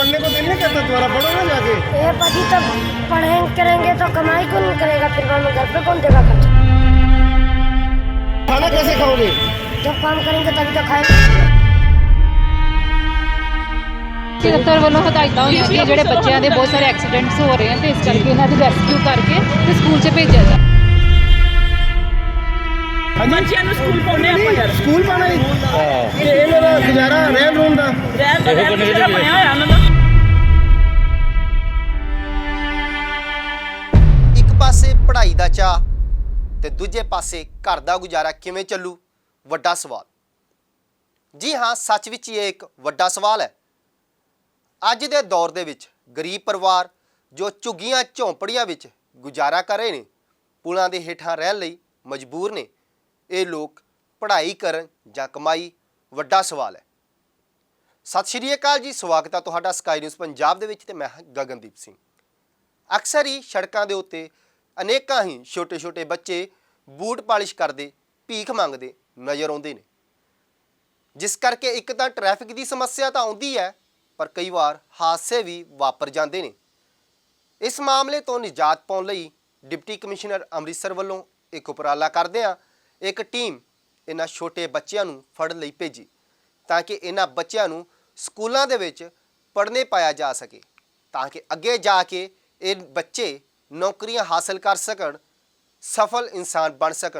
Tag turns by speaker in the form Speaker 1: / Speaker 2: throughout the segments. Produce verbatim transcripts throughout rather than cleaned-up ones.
Speaker 1: पढ़ने को दिल नहीं करता तुम्हारा? पढ़ो ना जाके।
Speaker 2: ये पति तो पढ़ेंगे करेंगे तो कमाई कौन करेगा, फिर बाद में घर पे कौन देगा खर्चा?
Speaker 1: खाना कैसे खाओगे?
Speaker 2: जब काम करेंगे तभी तो खाएंगे।
Speaker 3: दफ्तर ਵੱਲੋਂ ਹਦਾਇਤਾਂ ਹੋਈਆਂ ਕਿ ਜਿਹੜੇ ਬੱਚਿਆਂ ਦੇ ਬਹੁਤ ਸਾਰੇ ਐਕਸੀਡੈਂਟਸ ਹੋ ਰਹੇ ਹਨ ਤੇ ਇਸ ਕਰਕੇ ਇਹਨਾਂ ਦੀ ਰੈਸਕਿਊ ਕਰਕੇ ਤੇ ਸਕੂਲ 'ਚ ਭੇਜਿਆ ਜਾ
Speaker 4: ਬੱਚਿਆਂ ਨੂੰ ਸਕੂਲ ਪਾਉਣੇ ਆਪਾਂ ਯਾਰ
Speaker 1: ਸਕੂਲ ਪਾਣਾ ਹੀ ਤੇ ਇਹਨਾਂ ਦਾ ਗੁਜ਼ਾਰਾ ਰਹਿਣ ਰੂਣ ਦਾ
Speaker 4: ਰਹਿਣ ਦਾ ਰਹਿਣ ਦਾ ਬਣਿਆ ਹੋਇਆ ਉਹਨਾਂ ਦਾ।
Speaker 5: ਇੱਕ ਪਾਸੇ ਪੜ੍ਹਾਈ ਦਾ ਚਾਅ ਤੇ ਦੂਜੇ ਪਾਸੇ ਘਰ ਦਾ ਗੁਜ਼ਾਰਾ ਕਿਵੇਂ ਚੱਲੂ, ਵੱਡਾ ਸਵਾਲ। ਜੀ ਹਾਂ, ਸੱਚ ਵਿੱਚ ਇਹ ਇੱਕ ਵੱਡਾ ਸਵਾਲ ਹੈ। ਅੱਜ ਦੇ ਦੌਰ ਦੇ ਵਿੱਚ ਗਰੀਬ ਪਰਿਵਾਰ ਜੋ ਝੁੱਗੀਆਂ ਝੌਂਪੜੀਆਂ ਵਿੱਚ ਗੁਜ਼ਾਰਾ ਕਰ ਰਹੇ ਨੇ, ਪੁਲਾਂ ਦੇ ਹੇਠਾਂ ਰਹਿਣ ਲਈ ਮਜਬੂਰ ਨੇ, ਇਹ ਲੋਕ ਪੜ੍ਹਾਈ ਕਰਨ ਜਾਂ ਕਮਾਈ, ਵੱਡਾ ਸਵਾਲ ਹੈ। ਸਤਿ ਸ਼੍ਰੀ ਅਕਾਲ ਜੀ, ਸਵਾਗਤ ਹੈ ਤੁਹਾਡਾ ਸਕਾਈ ਨਿਊਜ਼ ਪੰਜਾਬ ਦੇ ਵਿੱਚ ਤੇ ਮੈਂ ਹਾਂ ਗਗਨਦੀਪ ਸਿੰਘ। ਅਕਸਰ ਹੀ ਸੜਕਾਂ ਦੇ ਉੱਤੇ ਅਨੇਕਾਂ ਹੀ ਛੋਟੇ ਛੋਟੇ ਬੱਚੇ ਬੂਟ ਪਾਲਿਸ਼ ਕਰਦੇ, ਭੀਖ ਮੰਗਦੇ ਨਜ਼ਰ ਆਉਂਦੇ ਨੇ, ਜਿਸ ਕਰਕੇ ਇੱਕ ਤਾਂ ਟ੍ਰੈਫਿਕ ਦੀ ਸਮੱਸਿਆ ਤਾਂ ਆਉਂਦੀ ਹੈ, ਪਰ ਕਈ ਵਾਰ ਹਾਦਸੇ ਵੀ ਵਾਪਰ ਜਾਂਦੇ ਨੇ। ਇਸ ਮਾਮਲੇ ਤੋਂ ਨਿਜਾਤ ਪਾਉਣ ਲਈ ਡਿਪਟੀ ਕਮਿਸ਼ਨਰ ਅੰਮ੍ਰਿਤਸਰ ਵੱਲੋਂ ਇੱਕ ਉਪਰਾਲਾ ਕਰਦਿਆਂ ਇੱਕ ਟੀਮ ਇਹਨਾਂ ਛੋਟੇ ਬੱਚਿਆਂ ਨੂੰ ਫੜਨ ਲਈ ਭੇਜੀ, ਤਾਂ ਕਿ ਇਹਨਾਂ ਬੱਚਿਆਂ ਨੂੰ ਸਕੂਲਾਂ ਦੇ ਵਿੱਚ ਪੜ੍ਹਨੇ ਪਾਇਆ ਜਾ ਸਕੇ, ਤਾਂ ਕਿ ਅੱਗੇ ਜਾ ਕੇ ਇਹ ਬੱਚੇ ਨੌਕਰੀਆਂ ਹਾਸਲ ਕਰ ਸਕਣ, ਸਫਲ ਇਨਸਾਨ ਬਣ ਸਕਣ।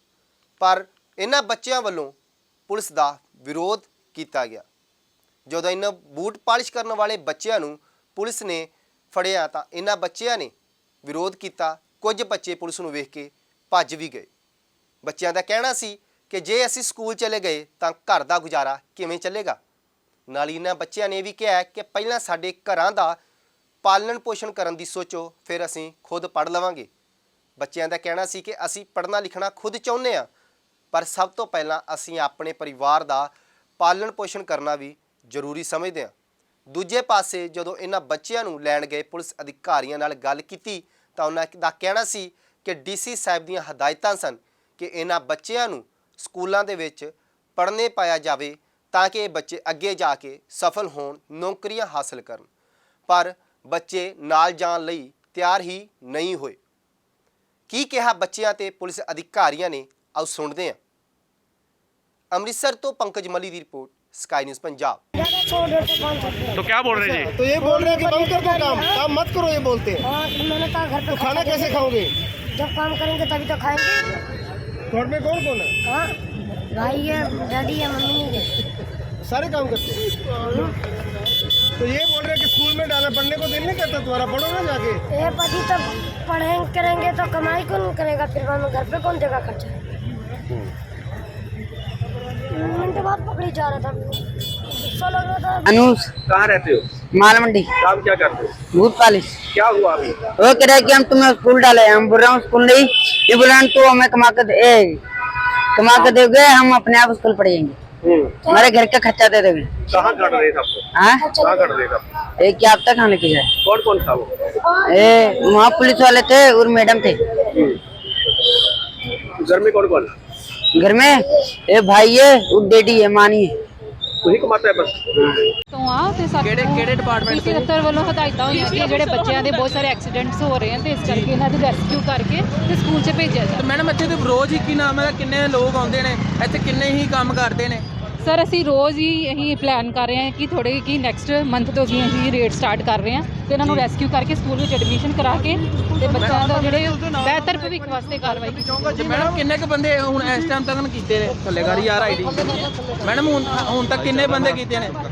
Speaker 5: ਪਰ ਇਹਨਾਂ ਬੱਚਿਆਂ ਵੱਲੋਂ ਪੁਲਿਸ ਦਾ ਵਿਰੋਧ ਕੀਤਾ ਗਿਆ। ਜਦੋਂ ਇਹਨਾਂ ਬੂਟ ਪਾਲਿਸ਼ ਕਰਨ ਵਾਲੇ ਬੱਚਿਆਂ ਨੂੰ ਪੁਲਿਸ ਨੇ ਫੜਿਆ ਤਾਂ ਇਹਨਾਂ ਬੱਚਿਆਂ ਨੇ ਵਿਰੋਧ ਕੀਤਾ। ਕੁਝ ਬੱਚੇ ਪੁਲਿਸ ਨੂੰ ਵੇਖ ਕੇ ਭੱਜ ਵੀ ਗਏ। ਬੱਚਿਆਂ ਦਾ ਕਹਿਣਾ ਸੀ ਕਿ ਜੇ ਅਸੀਂ ਸਕੂਲ ਚਲੇ ਗਏ ਤਾਂ ਘਰ ਦਾ ਗੁਜ਼ਾਰਾ ਕਿਵੇਂ ਚੱਲੇਗਾ। ਨਾਲ ਹੀ ਇਹਨਾਂ ਬੱਚਿਆਂ ਨੇ ਵੀ ਕਿਹਾ ਕਿ ਪਹਿਲਾਂ ਸਾਡੇ ਘਰਾਂ ਦਾ ਪਾਲਣ ਪੋਸ਼ਣ ਕਰਨ ਦੀ ਸੋਚੋ, ਫਿਰ ਅਸੀਂ ਖੁਦ ਪੜ੍ਹ ਲਵਾਂਗੇ। ਬੱਚਿਆਂ ਦਾ ਕਹਿਣਾ ਸੀ ਕਿ ਅਸੀਂ ਪੜ੍ਹਨਾ ਲਿਖਣਾ ਖੁਦ ਚਾਹੁੰਦੇ ਹਾਂ, ਪਰ ਸਭ ਤੋਂ ਪਹਿਲਾਂ ਅਸੀਂ ਆਪਣੇ ਪਰਿਵਾਰ ਦਾ ਪਾਲਣ ਪੋਸ਼ਣ ਕਰਨਾ ਵੀ ਜ਼ਰੂਰੀ ਸਮਝਦੇ ਹਾਂ। ਦੂਜੇ ਪਾਸੇ ਜਦੋਂ ਇਹਨਾਂ ਬੱਚਿਆਂ ਨੂੰ ਲੈਣ ਗਏ ਪੁਲਿਸ ਅਧਿਕਾਰੀਆਂ ਨਾਲ ਗੱਲ ਕੀਤੀ ਤਾਂ ਉਹਨਾਂ ਦਾ ਕਹਿਣਾ ਸੀ ਕਿ ਡੀਸੀ ਸਾਹਿਬ ਦੀਆਂ ਹਦਾਇਤਾਂ ਸਨ ਕਿ ਇਹਨਾਂ ਬੱਚਿਆਂ ਨੂੰ ਸਕੂਲਾਂ ਦੇ ਵਿੱਚ ਪੜ੍ਹਨੇ ਪਾਇਆ ਜਾਵੇ, ਤਾਂ ਕਿ ਇਹ ਬੱਚੇ ਅੱਗੇ ਜਾ ਕੇ ਸਫਲ ਹੋਣ, ਨੌਕਰੀਆਂ ਹਾਸਲ ਕਰਨ। ਪਰ ਬੱਚੇ ਨਾਲ ਜਾਣ ਲਈ ਤਿਆਰ ਹੀ ਨਹੀਂ ਹੋਏ। ਕੀ ਕਿਹਾ ਬੱਚਿਆਂ ਤੇ ਪੁਲਿਸ ਅਧਿਕਾਰੀਆਂ ਨੇ, ਆਓ ਸੁਣਦੇ ਹਾਂ। ਅੰਮ੍ਰਿਤਸਰ ਤੋਂ ਪੰਕਜ ਮਲੀ ਦੀ ਰਿਪੋर्ट, स्काई न्यूज़ पंजाब।
Speaker 6: तो क्या बोल रहे हैं जी?
Speaker 1: तो ये बोल रहे हैं कि बंद कर दो काम, काम मत करो, ये बोलते हैं।
Speaker 2: हाँ, तो मैंने कहा घर पे
Speaker 1: तो खाना कैसे खाओगे?
Speaker 2: जब काम करेंगे तभी तो खाएंगे।
Speaker 1: घर में कौन कौन है?
Speaker 2: हाँ, भाई है, डैडी है, मम्मी नहीं है।
Speaker 1: सारे काम करते हैं। तो ये बोल रहे हैं कि स्कूल में डालना, पढ़ने को दिल नहीं करता तुम्हारा? पढ़ो ना जाके।
Speaker 2: ये पति तो पढ़ेंगे करेंगे तो कमाई कौन करेगा, फिर बाद में घर पे कौन देगा खर्चा? मिनट बाद पकड़ी जा रहा था, गुस्सा लग रहा था।
Speaker 7: अनुज
Speaker 6: कहाँ रहते हो?
Speaker 7: माल मंडी।
Speaker 6: काम क्या करते हो?
Speaker 7: भूत पालिश।
Speaker 6: क्या हुआ अभी?
Speaker 7: वो कह रहा है कि हम तुम्हें स्कूल डाले, हम बोल रहे हैं स्कूल नहीं, ये बोला तो हमें कमा कर दे, कमा कर दोगे, हम अपने आप स्कूल पढ़ेंगे, हमारे घर का खर्चा दे दोगे।
Speaker 6: कहाँ कर रहे थे आपको?
Speaker 7: हाँ,
Speaker 6: कहाँ कर रहे थे?
Speaker 7: एक क्या अब तक खाने की जाए।
Speaker 6: कौन कौन था वो?
Speaker 7: ए वहाँ पुलिस वाले थे और मैडम थे।
Speaker 6: घर में कौन कौन है?
Speaker 7: घर में ए भाई है और डैडी है, मानी है।
Speaker 6: वही कमाता है बस।
Speaker 3: ਤੋਂ ਆ ਤੇ ਸਾਡੇ
Speaker 4: ਕਿਹੜੇ ਕਿਹੜੇ ਡਿਪਾਰਟਮੈਂਟ
Speaker 3: ਡੀਸੀ ਦਫ਼ਤਰ ਵੱਲੋਂ ਹਦਾਇਤਾਂ ਹੋਈਆਂ ਕਿ ਜਿਹੜੇ ਬੱਚਿਆਂ ਦੇ ਬਹੁਤ ਸਾਰੇ ਐਕਸੀਡੈਂਟਸ ਹੋ ਰਹੇ ਹਨ ਤੇ ਇਸ ਕਰਕੇ ਇਹਨਾਂ ਦੀ ਰੈਸਕਿਊ ਕਰਕੇ ਤੇ ਸਕੂਲ 'ਚ ਭੇਜਿਆ ਜਾ।
Speaker 4: ਮੈਡਮ ਇੱਥੇ ਤੇ ਰੋਜ਼ ਹੀ ਕੀ ਨਾਮ ਹੈ, ਕਿੰਨੇ ਲੋਕ ਆਉਂਦੇ ਨੇ ਇੱਥੇ, ਕਿੰਨੇ ਹੀ ਕੰਮ ਕਰਦੇ ਨੇ?
Speaker 3: ਸਰ ਅਸੀਂ ਰੋਜ਼ ਹੀ ਇਹੀ ਪਲਾਨ ਕਰ ਰਹੇ ਹਾਂ ਕਿ ਥੋੜੇ ਕਿ ਨੈਕਸਟ ਮੰਥ ਤੋਂ ਵੀ ਅਸੀਂ ਰੇਟ ਸਟਾਰਟ ਕਰ ਰਹੇ ਹਾਂ ਤੇ ਇਹਨਾਂ ਨੂੰ ਰੈਸਕਿਊ ਕਰਕੇ ਸਕੂਲ ਵਿੱਚ ਐਡਮਿਸ਼ਨ ਕਰਾ ਕੇ ਤੇ ਬੱਚਿਆਂ ਦਾ ਜਿਹੜੇ ਬਿਹਤਰ ਭਵਿੱਖ ਵਾਸਤੇ ਕਾਰਵਾਈ ਕੀਤੀ।
Speaker 4: ਮੈਡਮ ਕਿੰਨੇ ਕੁ ਬੰਦੇ ਹੁਣ ਇਸ ਟਾਈਮ ਤੱਕ ਕੀਤੇ ਨੇ ਥੱਲੇ ਗਾੜੀ ਯਾਰ ਆਈਡੀ? ਮੈਡਮ ਹੁਣ ਹੁਣ ਤੱਕ ਕਿੰਨੇ ਬੰਦੇ ਕੀਤੇ ਨੇ?